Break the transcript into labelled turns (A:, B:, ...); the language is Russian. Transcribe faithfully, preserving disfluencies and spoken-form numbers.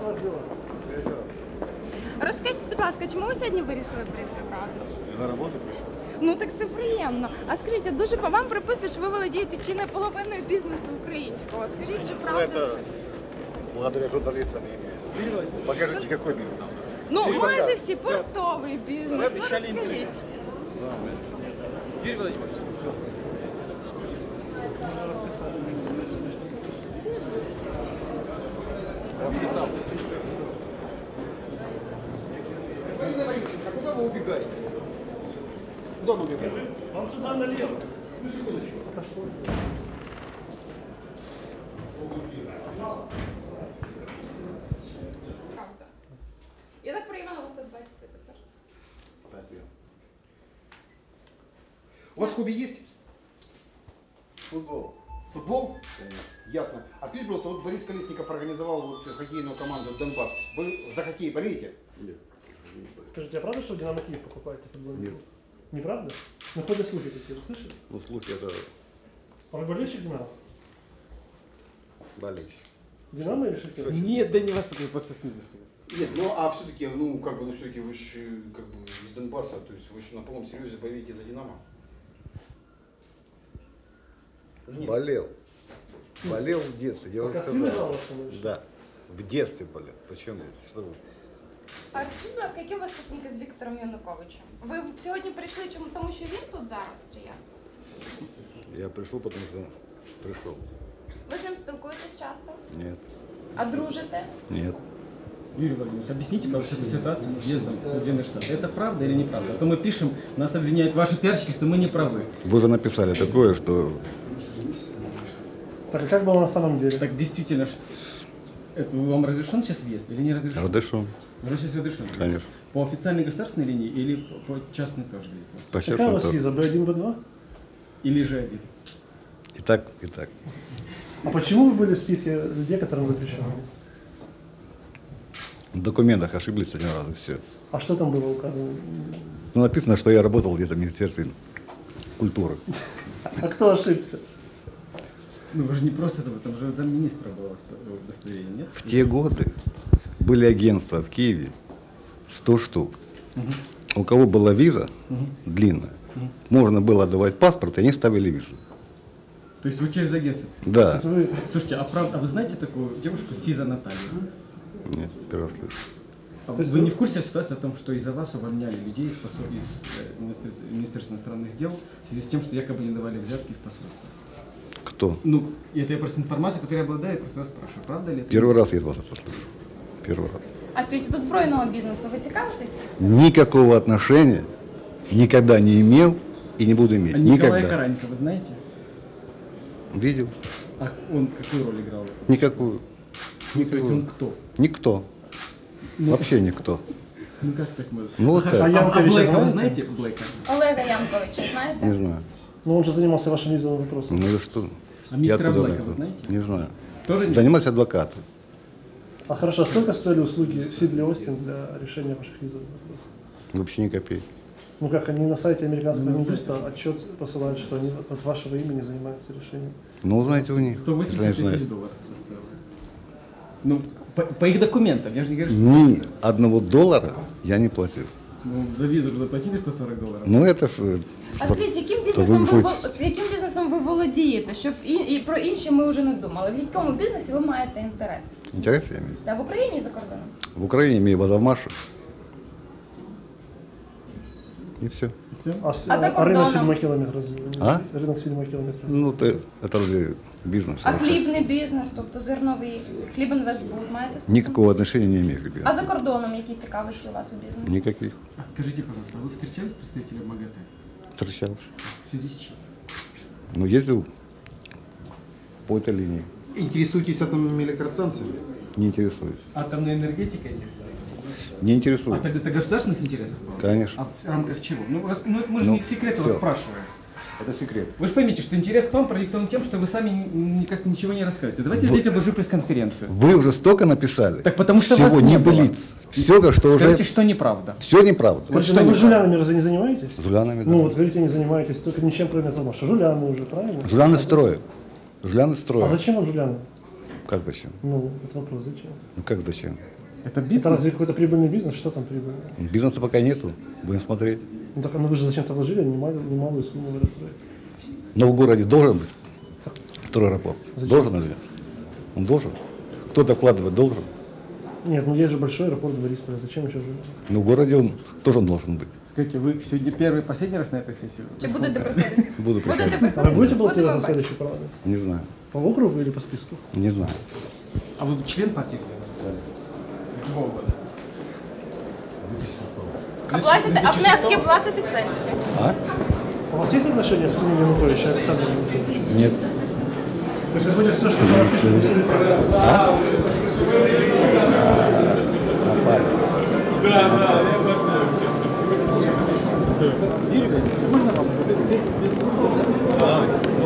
A: Розкажіть, будь ласка, чому ви сьогодні вирішили прийти разом?
B: На роботу прийшов.
A: Ну так це приємно. А скажіть, от дуже по вам приписують, що ви володієте чи не половиною бізнесу українського. Скажіть, чи
B: Ну,
A: правда
B: это
A: це?
B: благодаря журналистам я имею. Покажите, какой бизнес.
A: Ну,
B: Юрій
A: майже
B: Владимирович,
A: всі портовий бізнес. Ну розкажіть.
C: Юрий Владимирович.
D: А куда вы убегаете? Куда мы убегаем?
C: Он туда налево.
D: Ну, секундочку.
A: Правда. Я так приємно вас тут бачити тепер.
D: У вас хобби есть?
B: Футбол.
D: Футбол? Ясно. А скажите, просто, вот Борис Колесников организовал вот хоккейную команду «Донбасс». Вы за хоккей болеете?
B: Нет.
C: Скажите, а правда, что в Динамо Киев покупаете футбольный
B: Нет.
C: клуб? Неправда? Ну, ходят слухи такие, вы слышали?
B: Ну, слухи это
C: А вы болельщик Динамо?
B: болельщик.
C: Динамо или Шахтер?
E: Нет, да не вас просто снизу.
D: Нет, ну а все-таки, ну как бы, ну все-таки вы же как бы из Донбасса, то есть вы же на полном серьезе болеете за «Динамо». Нет.
B: Болел. Болел в детстве, я уже
C: Пока сын играл,
B: сказал.
C: что ли, что?
B: Да. В детстве болел. Почему? Что вы?
A: А розкажіть, будь ласка, які у вас стосунки з Віктором Януковичем? Ви сьогодні прийшли чому тому, що він тут зараз, чи як?
B: Я пришел, потому что пришел.
A: Ви з ним спілкуєтесь часто?
B: Нет.
A: А дружите?
B: Нет.
E: Юрий Владимирович, объясните, пожалуйста, эту ситуацию с въездом в Соединенные Штаты. Это правда или неправда? А то мы пишем, нас обвиняют ваши пиарщики, что мы не правы.
B: Вы же написали такое, что
C: Так, а как было на самом деле?
E: Так действительно, ш- это вам разрешен сейчас въезд или не разрешен?
B: Радышон,
E: Уже сейчас разрешен.
B: конечно.
E: По официальной государственной линии или по по частной тоже въезд?
B: По
C: Какая у
B: честному
C: вас
B: тоже.
C: виза? Бэ один, Бэ два?
E: Или же один?
B: И так, и так.
C: А почему вы были в списке людей, которым запрещено?
B: В документах ошиблись один раз и все.
C: А что там было указано?
B: Ну, написано, что я работал где-то в Министерстве культуры.
C: А кто ошибся?
E: Ну вы же не просто это, там же замминистра было восп- удостоверение, нет?
B: В те годы были агентства в Киеве, сто штук. У кого была виза длинная, можно было давать паспорт, и они ставили визу.
E: То есть вы через агентство?
B: Да.
C: Вы-
E: Слушайте, а, прав- а вы знаете такую девушку Сиза Наталью?
B: Нет, первый раз слышу.
E: А
C: То есть
E: вы
C: вы-
E: не в курсе ситуации о том, что из-за вас увольняли людей из, посол- из э, Министерства, Министерства иностранных дел в связи с тем, что якобы не давали взятки в посольство?
B: Кто?
E: Ну, это я просто информацию, которую я обладаю, я просто вас спрашиваю, правда ли это?
B: Первый раз я от вас это слышу. Первый раз.
A: А скажіть, до збройного бізнесу ви цікавитесь?
B: Никакого отношения никогда не имел и не буду иметь.
E: А Николая
B: Никогда.
E: Каранька, вы знаете?
B: Видел?
E: А он какую роль играл?
B: Никакую.
E: Ну, то есть
B: Никакую.
E: он кто?
B: Никто.
E: Ну,
B: Вообще никто.
E: Ну как так можно?
B: Ну, вот
E: Хорошо.
B: так.
E: А, а
C: Янковича
E: Блэка вы
C: знаете?
E: знаете? Блэка?
A: Олега Янковича, знаєте?
B: Не знаю.
C: Ну, он же занимался вашим визовым вопросом.
B: Ну и что?
E: А мистера
B: откуда
E: Блэка
B: знаю?
E: вы знаете?
B: Не знаю.
E: Тоже нет?
B: Занимался адвокатом.
C: А хорошо, а сколько стоили услуги Сидли Остин для решения ваших визовых вопросов?
B: Вообще ни копейки.
C: Ну как, они на сайте американского
E: Ну, на
C: Минюста отчет посылают, что они от вашего имени занимаются решением.
B: Ну, узнаете у них.
E: сто
B: если
E: восемьдесят
B: они
E: тысяч
B: знают.
E: долларов стоило. Ну, по, по их документам, я же не говорю, что...
B: Ни одного доллара я не платил.
E: Ну, за визу же заплатили сто сорок долларов.
B: Ну, это ж, э,
A: А
B: спор-
A: скажіть, яким
B: то
A: бізнесом ви,
B: ви
A: вол-
B: хоч-
A: яким бізнесом ви володієте? Щоб і, і про інші ми вже не думали. В якому бізнесі ви маєте інтерес?
B: Интерес я имею.
A: Та в Україні і за кордоном?
B: В Украине имею Вазовмашу. И все.
E: Все?
C: А, с-
A: А за
C: а рынок
A: кордоном?
C: седьмой километр разве?
B: А?
C: Рынок седьмой километр.
B: Ну, это, это разве бизнес?
A: А хлібний бізнес, тобто зерновий, хлібінвестбуд маєте? стосунки?
B: Никакого отношения не имею к
A: А
B: бизнесу.
A: за кордоном які цікавості у вас у бізнесі?
B: Никаких.
E: А скажите, пожалуйста, а вы встречались с представителем МАГАТЭ?
B: Встречался.
E: В связи с чем?
B: Ну, ездил по этой линии.
D: Интересуетесь атомными электростанциями?
B: Не интересуюсь.
E: Атомная энергетика интересует?
B: Не
E: А
B: интересуюсь.
E: тогда это государственных интересов было?
B: Конечно.
E: А в рамках чего? Ну, раз- ну, это мы же
B: Ну,
E: не секрет вас
B: всё.
E: спрашиваем.
B: Это секрет.
E: Вы же поймите, что интерес к вам продиктован тем, что вы сами ни- никак ничего не рассказываете. Давайте
B: Вот.
E: сделайте большую пресс-конференцию.
B: Вы уже столько написали.
E: Так потому что
B: всего
E: вас не
B: не
E: было.
B: былиц. Все, что уже...
E: Скажите, что неправда.
B: Все неправда.
C: Скажите,
E: что
C: ну вы
E: неправильно?
C: жулянами разве не занимаетесь?
B: Жулянами, да.
C: Ну вот говорите, не занимаетесь, только ничем кроме замаша. Жуляны уже, правильно?
B: Жуляны строят. Жуляны
C: А
B: строят.
C: зачем вам жуляны?
B: Как зачем?
C: Ну, это вопрос, зачем?
B: Ну как зачем?
E: Это
C: Это
E: бизнес?
C: разве какой-то прибыльный бизнес? Что там прибыльный?
B: Бизнеса пока нету. Будем смотреть.
C: Ну, так, ну вы же зачем-то вложили немалую, немалую сумму в этот проект.
B: Но в городе должен быть второй аэропорт.
C: Зачем?
B: Должен или нет? Он должен. Кто-то вкладывать должен.
C: Нет, ну есть же большой аэропорт в Борисполе. Зачем еще же?
B: Но в городе он тоже он должен быть.
E: Скажите, вы сегодня первый, последний раз на этой сессии?
A: Чи будете приходити?
B: Буду
A: Будете
B: приходить.
C: А вы будете
A: Будемо
C: баллотироваться на
A: бачити.
C: следующий парламент?
B: Не знаю.
C: По округу или по списку?
B: Не знаю.
E: А вы член партии? С какого года?
A: А платите, а внески платите членські?
B: А?
C: У вас есть отношения с сыном Януковича, Александром Януковичем?
B: Нет.
C: То есть будет все, что вы напишете?
E: Юрий Владимирович, можно вам?